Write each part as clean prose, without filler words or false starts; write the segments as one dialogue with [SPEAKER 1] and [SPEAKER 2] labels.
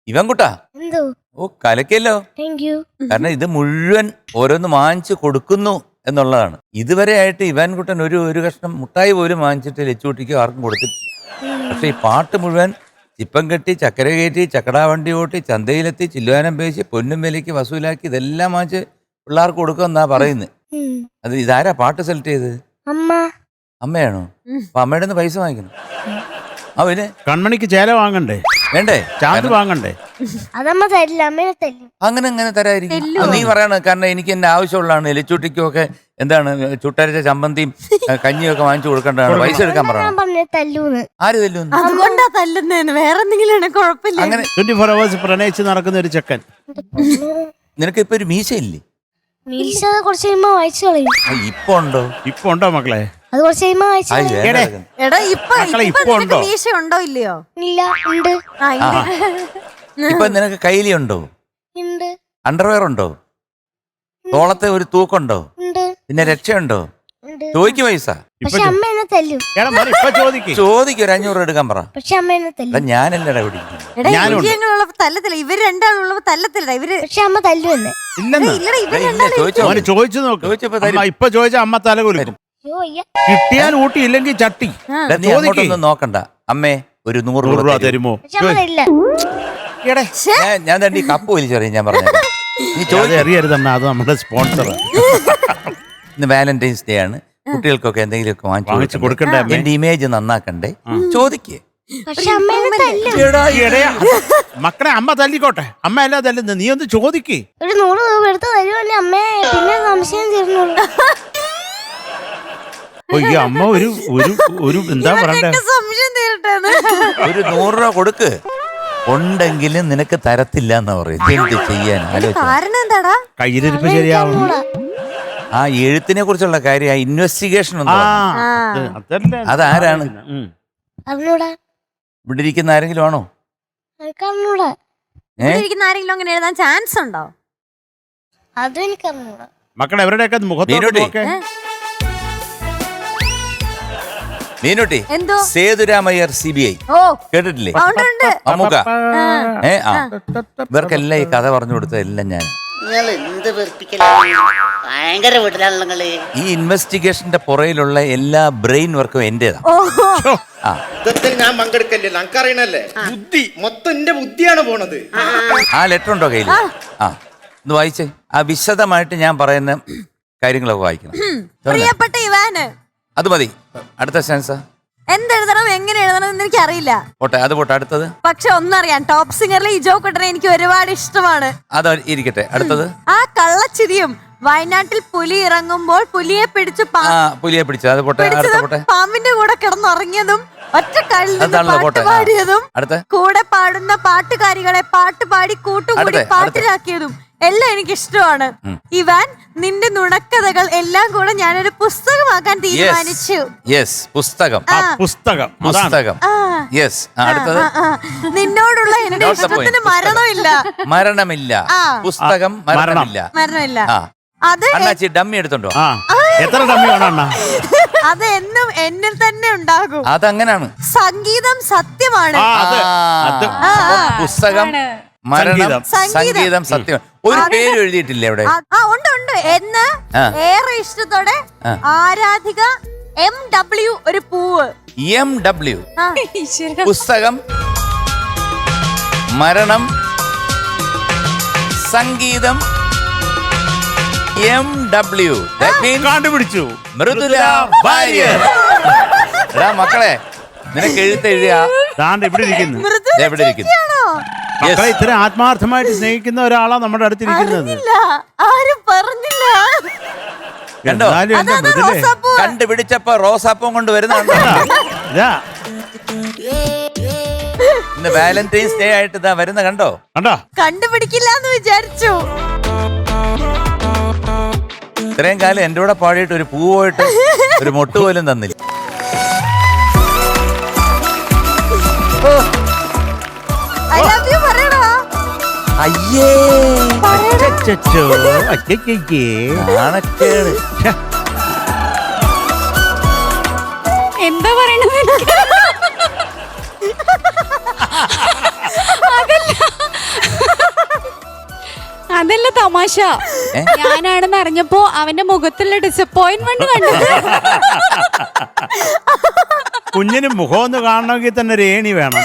[SPEAKER 1] ഇവൻകുട്ടാ
[SPEAKER 2] എന്തോ
[SPEAKER 1] ഓ കലക്കല്ലോ.
[SPEAKER 2] Thank you.
[SPEAKER 1] കാരണം ഇത് മുഴുവൻ ഓരോന്ന് വാങ്ങിച്ചു കൊടുക്കുന്നു എന്നുള്ളതാണ്. ഇതുവരെ ആയിട്ട് ഇവാൻകുട്ടൻ ഒരു കഷ്ണം മുട്ടായി പോലും വാങ്ങിച്ചിട്ട് ലച്ചുകുട്ടിക്കോ ആർക്കും കൊടുത്തിട്ടില്ല. പക്ഷെ ഈ പാട്ട് മുഴുവൻ ചിപ്പം കെട്ടി ചക്കര കയറ്റി ചക്കടാ വണ്ടി ഓട്ടി ചന്തയിലെത്തി ചില്ലുവാനം പേശി പൊന്നും വിലയ്ക്ക് വസൂലാക്കി ഇതെല്ലാം വാങ്ങിച്ച് പിള്ളേർക്ക് കൊടുക്കുമെന്നാ പറയുന്നത്. അത് ഇതാരാ പാട്ട് സെലക്ട് ചെയ്ത്?
[SPEAKER 2] അമ്മ.
[SPEAKER 1] അമ്മയാണോ? അപ്പൊ അമ്മയുടെ നിന്ന് പൈസ വാങ്ങിക്കണം. അവന്
[SPEAKER 3] കൺമണിക്ക് ചേല വാങ്ങണ്ടേ?
[SPEAKER 1] വേണ്ടേ?
[SPEAKER 3] ചാന്ത് വാങ്ങണ്ടേ?
[SPEAKER 2] അതമ്മ തരില്ല, അമ്മയെ തരും.
[SPEAKER 1] അങ്ങനെ തരായിരിക്കും. നീ പറയണ കാരണം എനിക്ക് എന്റെ ആവശ്യമുള്ളതാണ്. എലിച്ചൂട്ടിക്കും ഒക്കെ എന്താണ് ചുട്ടരച്ച ചമ്മന്തിയും കഞ്ഞിയും വാങ്ങിച്ചു കൊടുക്കേണ്ടതാണ്. പൈസ എടുക്കാൻ പറയണം.
[SPEAKER 2] തല്ലൂന്ന്.
[SPEAKER 1] ആര് തല്ലൂന്ന്?
[SPEAKER 4] അതുകൊണ്ടാ തല്ലുന്നേന്ന്, വേറെ എന്തെങ്കിലും കുഴപ്പമില്ല.
[SPEAKER 1] അങ്ങനെ
[SPEAKER 3] 24 hours പ്രണയിച്ച് നടക്കുന്ന ഒരു ചെക്കൻ.
[SPEAKER 1] നിനക്ക് ഇപ്പൊ ഒരു മീശയില്ലേ?
[SPEAKER 2] മീശ കുറച്ച് കഴിയുമ്പോ വായിച്ചു കളയും.
[SPEAKER 1] ഇപ്പൊ ഉണ്ടോ
[SPEAKER 3] മക്കളെ?
[SPEAKER 2] അത് കുറച്ച് കഴിയുമ്പോ വായിച്ചു കളയും.
[SPEAKER 4] എടാ ഇപ്പൊ
[SPEAKER 3] ഉണ്ടോ?
[SPEAKER 4] മീശ ഉണ്ടോ ഇല്ലയോ?
[SPEAKER 2] ഇല്ല, ഉണ്ട്.
[SPEAKER 1] ഇപ്പൊ നിനക്ക് കയ്യിലി ഉണ്ടോ?
[SPEAKER 2] ഉണ്ട്.
[SPEAKER 1] അണ്ടർവെയർ ഉണ്ടോ? തോളത്തെ ഒരു തൂക്കുണ്ടോ?
[SPEAKER 2] ഉണ്ട്.
[SPEAKER 1] പിന്നെ രക്ഷയുണ്ടോ?
[SPEAKER 2] ഉണ്ട്.
[SPEAKER 1] ചോദിക്കും പൈസ.
[SPEAKER 2] പക്ഷെ അമ്മ എന്നെ തല്ലും.
[SPEAKER 1] ചോദിക്കും ഒരു 500 എടുക്കാൻ പറ.
[SPEAKER 2] പക്ഷെ അമ്മ എന്നെ തല്ലും.
[SPEAKER 1] ഞാനല്ലടാ
[SPEAKER 4] ഇവരുള്ളപ്പോ തല്ലത്തില്ല, ഇവര് രണ്ടാളുള്ളപ്പോ തല്ലത്തില്ല ഇവര്.
[SPEAKER 2] പക്ഷെ അമ്മ തല്ലും എന്നെ.
[SPEAKER 3] ചോദിച്ചു നോക്ക്. ഇപ്പൊ ചോദിച്ച അമ്മ തല കുലുക്കും. കിട്ടിയാൽ ഊട്ടി, ഇല്ലെങ്കിൽ ചട്ടി.
[SPEAKER 1] നോക്കണ്ട. അമ്മേ ഒരു 100
[SPEAKER 3] രൂപ തരുമോ?
[SPEAKER 1] ഞാൻ തന്നെ കപ്പ് വലിച്ചറിയാം. ഞാൻ പറഞ്ഞു
[SPEAKER 3] അറിയരുതമ്മ, അത് നമ്മുടെ സ്പോൺസർ.
[SPEAKER 1] ഇന്ന് വാലന്റൈൻസ് ഡേ ആണ്. കുട്ടികൾക്കൊക്കെ എന്തെങ്കിലുമൊക്കെ വാങ്ങിച്ചു കൊടുക്കണ്ടേ? എന്റെ ഇമേജ് നന്നാക്കണ്ടേ? ചോദിക്കേ.
[SPEAKER 3] മക്കളെ അമ്മ തല്ലിക്കോട്ടെ. അമ്മ അല്ല തല്ലുന്നത്, നീ ഒന്ന് ചോദിക്കേ.
[SPEAKER 2] ഒരു 100 രൂപ എടുത്ത് തരുമല്ലേ അമ്മേ? പിന്നെ സംശയം തീർന്നുള്ളൂ.
[SPEAKER 3] അമ്മ ഒരു എന്താ പറയണ്ടേ?
[SPEAKER 4] സംശയം തീരട്ടെ.
[SPEAKER 1] ഒരു 100 രൂപ കൊടുക്ക്. ഉണ്ടെങ്കിലും നിനക്ക് തരത്തില്ല എന്ന് പറയും. എന്ത് ചെയ്യാൻ?
[SPEAKER 4] കാരണം എന്താടാ?
[SPEAKER 3] കയ്യിലിരിപ്പ് ശരിയാവും.
[SPEAKER 1] ആ എഴുത്തിനെ കുറിച്ചുള്ള കാര്യം, ഇൻവെസ്റ്റിഗേഷൻ അതാരാണ്? ഇവിടെ ഇരിക്കുന്ന ആരെങ്കിലും ആണോ?
[SPEAKER 4] ആരെങ്കിലും അങ്ങനെ എഴുതാൻ ചാൻസ് ഉണ്ടോ?
[SPEAKER 2] അതും എനിക്കറിഞ്ഞൂടാ.
[SPEAKER 3] മക്കളെ എവരുടെയൊക്കെ മുഖത്തോട്ട്
[SPEAKER 1] മീനുട്ടി, സേതുരാമയ്യർ CBI കേട്ടിട്ടില്ലേ? അമ്മുക. ഇവർക്കെല്ലാം ഈ കഥ പറഞ്ഞു കൊടുത്തതെല്ലാം ഞാൻ. ഈ ഇൻവെസ്റ്റിഗേഷന്റെ പുറയിലുള്ള എല്ലാ ബ്രെയിൻ വർക്കും എന്റേതാണ്.
[SPEAKER 5] ഞാൻ പങ്കെടുക്കല്ലേ, നമുക്കറിയണല്ലേ. ബുദ്ധി മൊത്തം എന്റെ ബുദ്ധിയാണ് പോണത്.
[SPEAKER 1] ആ ലെറ്റർ ഉണ്ടോ കയ്യിൽ? ഒന്ന് വായിച്ചേ. ആ വിശദമായിട്ട് ഞാൻ പറയുന്ന കാര്യങ്ങളൊക്കെ വായിക്കണം.
[SPEAKER 4] പ്രിയപ്പെട്ട ഇവാന്,
[SPEAKER 1] അത് മതി. അടുത്ത സെൻസ്
[SPEAKER 4] എന്തെഴുതണം, എങ്ങനെ എഴുതണം എന്ന് എനിക്ക് അറിയില്ല.
[SPEAKER 1] അത് പോട്ടെ. അടുത്തത്
[SPEAKER 4] പക്ഷെ ഒന്നറിയാം, ടോപ്പ് സിംഗറിലെ ഇജോ കുട്ടനെ എനിക്ക് ഒരുപാട് ഇഷ്ടമാണ്.
[SPEAKER 1] അത് ഇരിക്കട്ടെ. അടുത്തത്
[SPEAKER 4] ആ കള്ളച്ചിരിയും വയനാട്ടിൽ പുലി ഇറങ്ങുമ്പോൾ പുലിയെ പിടിച്ചു
[SPEAKER 1] അത് പോട്ടെ.
[SPEAKER 4] പാമ്പിന്റെ കൂടെ കിടന്നുറങ്ങിയതും ഒറ്റ പാട്ട് പാടിയതും കൂടെ പാടുന്ന പാട്ടുകാരികളെ പാട്ടുപാടി കൂട്ടുകൂടി പാട്ടിലാക്കിയതും എല്ലാം എനിക്ക് ഇഷ്ടമാണ്. ഇവാൻ, നിന്റെ നുണക്കഥകൾ എല്ലാം കൂടെ ഞാനൊരു പുസ്തകമാക്കാൻ തീരുമാനിച്ചു.
[SPEAKER 1] പുസ്തകം.
[SPEAKER 4] നിന്നോടുള്ള എന്റെ ഇഷ്ടത്തിന് മരണമില്ല.
[SPEAKER 1] പുസ്തകം
[SPEAKER 4] മരണമില്ല. അത്
[SPEAKER 1] ഡമ്മി എടുത്തുണ്ടോ?
[SPEAKER 3] എത്ര ഡമ്മി വേണം?
[SPEAKER 4] അത് എന്നും എന്നിൽ തന്നെ ഉണ്ടാകും.
[SPEAKER 1] അതങ്ങനാണ്.
[SPEAKER 4] സംഗീതം സത്യമാണ്.
[SPEAKER 1] പുസ്തകം, മരണം, സംഗീതം സത്യമാണ്. ഒരു പേര് എഴുതിയിട്ടില്ലേ അവിടെ?
[SPEAKER 4] ഉണ്ട്. എന്ന് ഏറെ ഇഷ്ടത്തോടെ ആരാധിക MW ഒരു പൂവ്.
[SPEAKER 1] MW പുസ്തകം, മരണം, സംഗീതം, MW
[SPEAKER 3] കണ്ടുപിടിച്ചു.
[SPEAKER 1] മൃദുല വാര്യർ. മക്കളെ, നിനക്ക് എഴുതിയ
[SPEAKER 3] ഇവിടെ ഇരിക്കുന്നു. ഇത്ര ആത്മാർത്ഥമായിട്ട് സ്നേഹിക്കുന്ന ഒരാളാ നമ്മുടെ അടുത്തിരിക്കുന്നത്.
[SPEAKER 4] ആരും പറഞ്ഞില്ല.
[SPEAKER 1] കണ്ടോ? കണ്ടുപിടിച്ചപ്പോ റോസാപ്പൂം കൊണ്ട് വരുന്നുണ്ടോ? ഇന്ന് വാലന്റൈൻസ് ഡേ ആയിട്ട് ഇതാ വരുന്ന കണ്ടോ?
[SPEAKER 4] കണ്ടുപിടിക്കില്ല എന്ന് വിചാരിച്ചു.
[SPEAKER 1] ഇത്രയും കാലം എന്റെ കൂടെ പാടിയിട്ട് ഒരു പൂ പോയിട്ട് ഒരു മൊട്ട് പോലും തന്നില്ല. അയ്യേ,
[SPEAKER 6] എന്താ പറയണത്? അതല്ല, അതല്ല തമാശ. ഞാനാണെന്ന് അറിഞ്ഞപ്പോ അവന്റെ മുഖത്തുള്ള ഡിസപ്പോയിന്റ്മെന്റ് കണ്ടത്.
[SPEAKER 3] കുഞ്ഞിന് മുഖം ഒന്ന് കാണണമെങ്കിൽ തന്നെ ഒരു ഏണി വേണം.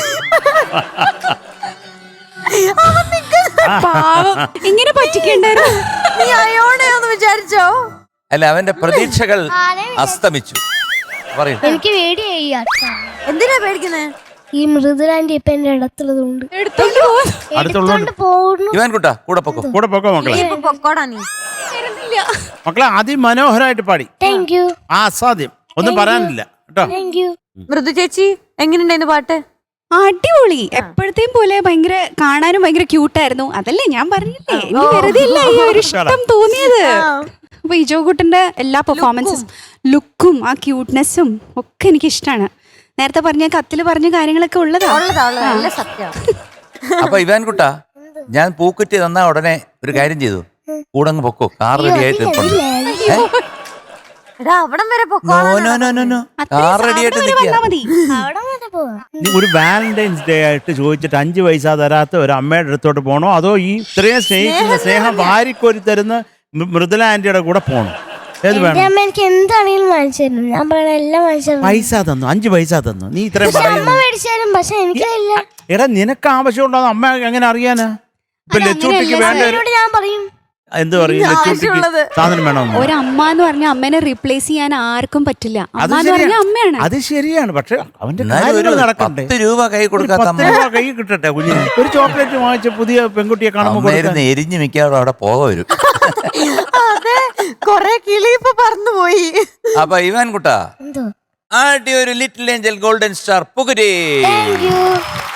[SPEAKER 6] പാവം, ഇങ്ങനെ പറ്റിക്കണ്ടായിരുന്നു.
[SPEAKER 4] നീ അയോണെന്ന് വിചാരിച്ചോ?
[SPEAKER 1] അല്ല, അവന്റെ പ്രതീക്ഷകൾ അസ്തമിച്ചു. പറയൂ.
[SPEAKER 2] എനിക്ക് പേടിയായി
[SPEAKER 4] എന്തിനാ പേടിക്കുന്നേ?
[SPEAKER 2] ഈ മൃദുലാൻഡി ഇപ്പൊ എന്റെ അടുത്തുള്ളതുകൊണ്ട്
[SPEAKER 3] അടുത്തുള്ളതുകൊണ്ട്
[SPEAKER 2] പോകുന്നു.
[SPEAKER 1] ഇവാൻ കുട്ടാ കൂടെ പൊക്കോ.
[SPEAKER 3] കൂടെ പൊക്കോ മക്കളെ.
[SPEAKER 4] ഇപ്പൊ പൊക്കോടാ നീ.
[SPEAKER 3] മക്കളെ അതിമനോഹരമായിട്ട് പാടി.
[SPEAKER 2] താങ്ക് യു
[SPEAKER 3] അസാധ്യം, ഒന്നും പറയാനില്ല കേട്ടോ.
[SPEAKER 2] Thank you.
[SPEAKER 4] മൃദു ചേച്ചി എങ്ങനെയുണ്ടായിരുന്നു പാട്ട്?
[SPEAKER 6] അടിപൊളി. എപ്പോഴത്തെയും പോലെ ഭയങ്കര കാണാനും ഭയങ്കര ക്യൂട്ടായിരുന്നു. അതല്ലേ ഞാൻ പറഞ്ഞില്ലേ, എനിക്ക് വെറുതെ ഇല്ല ഈ ഒരു ഇഷ്ടം തോന്നിയത്. അപ്പൊ ഇജോകുട്ടന്റെ എല്ലാ പെർഫോമൻസും ലുക്കും ആ ക്യൂട്ട്നെസ്സും ഒക്കെ എനിക്ക് ഇഷ്ടമാണ്. നേരത്തെ പറഞ്ഞ കത്തില് പറഞ്ഞ കാര്യങ്ങളൊക്കെ ഉള്ളതാ.
[SPEAKER 4] നല്ല സത്യം.
[SPEAKER 1] അപ്പൊ ഇവാൻ കുട്ടാ, ഞാൻ പൂക്കുറ്റി തന്നാ ഉടനെ ഒരു കാര്യം ചെയ്തു, കൂടെ അങ്ങ് പൊക്കോ. കാർ റെഡി ആയിട്ട് നിൽപ്പുണ്ട്.
[SPEAKER 4] എടാ അവിടം വരെ പൊക്കോ.
[SPEAKER 1] കാർ റെഡി ആയിട്ട് നിൽക്കുക.
[SPEAKER 6] മതി.
[SPEAKER 2] അവിടെ വരെ പോവാം.
[SPEAKER 3] നീ ഒരു വാലന്റൈൻസ് ഡേ ആയിട്ട് ചോദിച്ചിട്ട് 5 പൈസ തരാത്ത ഒരു അമ്മയുടെ അടുത്തോട്ട് പോകണോ, അതോ ഈ ഇത്രയും സ്നേഹിക്കുന്ന സ്നേഹം വാരിക്കോരി തരുന്ന മൃദുല ആന്റിയുടെ കൂടെ പോകണോ? ഏത്
[SPEAKER 2] എന്റെ
[SPEAKER 3] വേണം?
[SPEAKER 2] അമ്മ എനിക്ക് എന്താണെങ്കിലും വാങ്ങിച്ചു തരും. ഞാൻ പറയണ എല്ലാം വാങ്ങിച്ചു തരും.
[SPEAKER 3] പൈസ തന്നു, 5 പൈസ തന്നു. നീ ഇത്രയും
[SPEAKER 2] പക്ഷെ അമ്മ
[SPEAKER 3] പറയുന്നു.
[SPEAKER 2] മേടിച്ചു തരും, പക്ഷെ എനിക്കില്ല.
[SPEAKER 3] എടാ നിനക്ക് ആവശ്യമുണ്ടോ അമ്മ എങ്ങനെ അറിയാനാ? ഇപ്പൊ ലച്ചൂട്ടിക്ക് വേണ്ട ഒരു-
[SPEAKER 2] എന്നോട് ഞാൻ പറയും.
[SPEAKER 3] എന്ത് പറയും? ലച്ചൂട്ടിക്ക് സാധനം വേണമെന്ന്.
[SPEAKER 6] ഒരമ്മ എന്ന് പറഞ്ഞ അമ്മേനെ റീപ്ലേസ് ചെയ്യാൻ ആർക്കും പറ്റില്ല.
[SPEAKER 3] അത്
[SPEAKER 6] അമ്മ എന്ന് പറഞ്ഞ അമ്മയാണ്.
[SPEAKER 3] അത് ശരിയാണ്. പക്ഷെ അവന്റെ
[SPEAKER 1] എന്നാലും ഒരു
[SPEAKER 3] കാര്യങ്ങൾ നടക്കണ്ടേ?
[SPEAKER 1] 10 രൂപ കൈ കൊടുക്കാത്ത
[SPEAKER 3] 10 രൂപ കൈ കിട്ടട്ടെ കുഞ്ഞിന്. ഒരു ചോക്ലേറ്റ് വാങ്ങിച്ച പുതിയ പെൺകുട്ടിയെ കാണുമ്പോൾ
[SPEAKER 1] അമ്മയിരുന്ന് എരിഞ്ഞു മിക്കാറും അവിടെ പോക വരും.
[SPEAKER 4] അതെ, കൊറേ കിളി ഇപ്പൊ പറന്നുപോയി.
[SPEAKER 1] അപ്പൊ ഇവാൻ കുട്ടാ,
[SPEAKER 2] എന്തോ
[SPEAKER 1] ആദ്യ ഒരു ലിറ്റിൽ ഏഞ്ചൽ ഗോൾഡൻ സ്റ്റാർ പുകരേ.
[SPEAKER 2] Thank U.